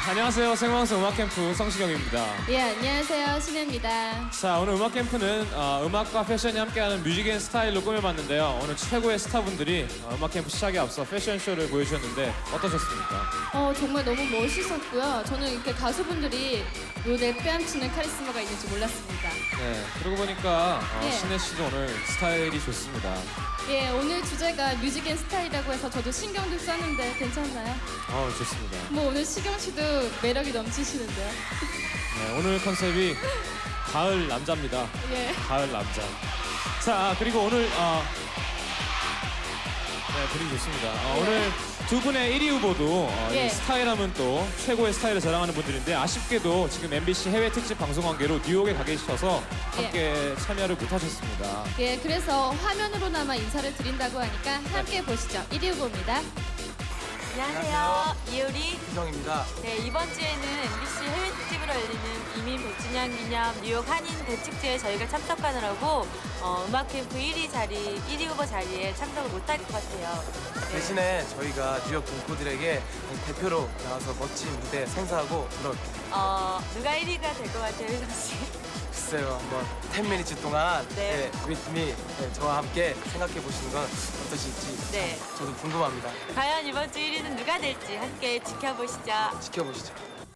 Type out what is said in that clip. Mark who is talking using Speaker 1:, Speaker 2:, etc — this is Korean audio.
Speaker 1: 안녕하세요. 생방송 음악캠프 성시경입니다.
Speaker 2: 예, 안녕하세요. 신혜입니다.
Speaker 1: 자, 오늘 음악캠프는 음악과 패션이 함께하는 뮤직 앤 스타일로 꾸며봤는데요. 오늘 최고의 스타분들이 음악캠프 시작에 앞서 패션쇼를 보여주셨는데 어떠셨습니까?
Speaker 2: 정말 너무 멋있었고요. 저는 이렇게 가수분들이 무대에 빼앗치는 카리스마가 있는지 몰랐습니다.
Speaker 1: 네, 그러고 보니까
Speaker 2: 예.
Speaker 1: 신혜 씨도 오늘 스타일이 좋습니다.
Speaker 2: 예, 오늘 주제가 뮤직 앤 스타일이라고 해서 저도 신경도 썼는데 괜찮나요?
Speaker 1: 좋습니다.
Speaker 2: 뭐 오늘 시경 씨도 매력이 넘치시는데요.
Speaker 1: 네, 오늘 컨셉이 가을 남자입니다.
Speaker 2: 예.
Speaker 1: 가을 남자. 자, 그리고 오늘 네, 분위기 좋습니다.
Speaker 2: 예.
Speaker 1: 오늘 두 분의 1위 후보도
Speaker 2: 예.
Speaker 1: 이 스타일하면 또 최고의 스타일을 자랑하는 분들인데 아쉽게도 지금 MBC 해외 특집 방송 관계로 뉴욕에 가 계셔서 함께 참여를 못하셨습니다.
Speaker 2: 예, 그래서 화면으로나마 인사를 드린다고 하니까 함께 보시죠. 1위 후보입니다.
Speaker 3: 안녕하세요. 이효리.
Speaker 4: 희정입니다.
Speaker 3: 네, 이번 주에는 MBC 해외 특집으로 열리는 이민 100주년 기념 뉴욕 한인 대축제에 저희가 참석하느라고 음악 캠프 1위 후보 자리에 참석을 못할 것 같아요. 네.
Speaker 4: 대신에 저희가 뉴욕 동포들에게 대표로 나와서 멋진 무대 생사하고 그럴게요.
Speaker 3: 누가 1위가 될 것 같아요, 효정 씨?
Speaker 4: 글쎄요, 한번 10미니츠 동안
Speaker 3: 네.
Speaker 4: with me, 저와 함께 생각해 보시는 건 어떠실지
Speaker 3: 네.
Speaker 4: 저도 궁금합니다.
Speaker 3: 과연 이번 주 1위는 누가 될지 함께 지켜보시죠.
Speaker 4: 지켜보시죠.